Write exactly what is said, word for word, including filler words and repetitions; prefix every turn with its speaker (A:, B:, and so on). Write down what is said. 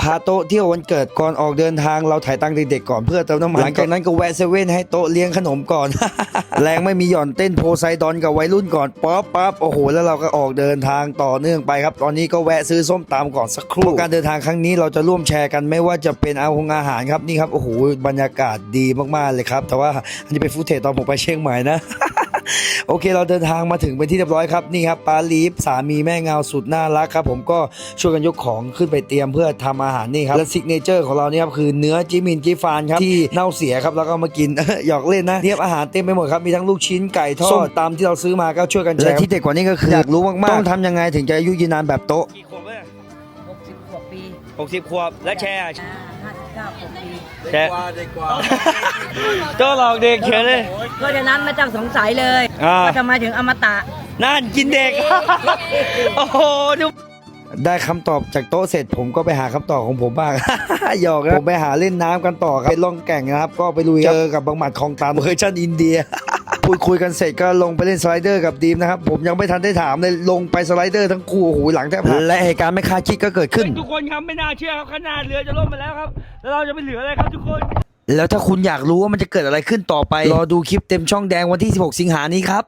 A: าโต๊ะเที่ยววันเกิดก่อนออกเดินทางเราถ่ายตังค์เด็กๆก่อนเพื่อเติมน้ำมันหลังจากนั้นก็แวะเซเว่นให้โต๊ะเลี้ยงขนมก่อน แรงไม่มีหย่อนเต้นโพไซดอนกับวัยรุ่นก่อนป๊อปปั๊บโอ้โหแล้วเราก็ออกเดินทางต่อเนื่องไปครับตอนนี้ก็แวะซื้อส้มตำก่อนสักครู่การเดินทางครั้งนี้เราจะร่วมแชร์กันไม่ว่าจะเป็นอาหงอาหารครับนี่ครับโอ้โหบรรยากาศดีมากๆเลยครับแต่ว่าอันนี้เป็นฟุตเทจตอนผมไปเชียงใหม่นะ โอเคเราเดินทางมาถึงเป็นที่เรียบร้อยครับนี่ครับปาลีฟสามีแม่เงาสุดน่ารักครับผมก็ช่วยกันยกของขึ้นไปเตรียมเพื่อทำอาหารนี่ครับและซิกเนเจอร์ของเรานี่ครับคือเนื้อจิมินจิฟานครับที่เน่าเสียครับแล้วก็มากิน หยอกเล่นนะเทียบอาหารเต็มไปหมดครับมีทั้งลูกชิ้นไก่ทอดส้มตำที่เราซื้อมาก็ช่วยกันแชร์และที่เด็ดกว่านี้ก็คืออยากรู้มากๆต้องทำยังไงถึงจะอายุยืนนานแบบโต๊ะกี่ขวบเนี่ย
B: หกสิบกว่าปี
A: หกสิบขวบและแชร์
B: อ่าห้าสิบเก้าปี
A: แชร์โต๊ะหลอกเด็กเฉยเลย
B: เพราะฉะนั้นไม่ต้องสงสัยเลย
A: อ่า
B: ว่าทำไมถึงอมตะ
A: นั่นกินเด็ก โอ้โหดูได้คำตอบจากโต๊ะเสร็จผมก็ไปหาคำตอบของผมบ้าง หยอกนะผมไปหาเล่นน้ำกันต่อครับไปล่องแก่งนะครับก็ไปลุยเจอกับบางหมัดของตามเวอร์ชันอินเดีย พูดคุยกันเสร็จก็ลงไปเล่นสไลเดอร์กับดีมนะครับผมยังไม่ทันได้ถามเลยลงไปสไลเดอร์ทั้งคู่โอ้โหหลังแทบหักและเหตุการณ์ไม่คาดคิดก็เกิดขึ้นทุกคนครับไม่น่าเชื่อครับขนาดเรือจะล่มไปแล้วครับแล้วเราจะไปเหลืออะไรครับทุกคน แล้วถ้าคุณอยากรู้ว่ามันจะเกิดอะไรขึ้นต่อไปรอดูคลิปเต็มช่องแดงวันที่สิบหกสิงหานี้ครับ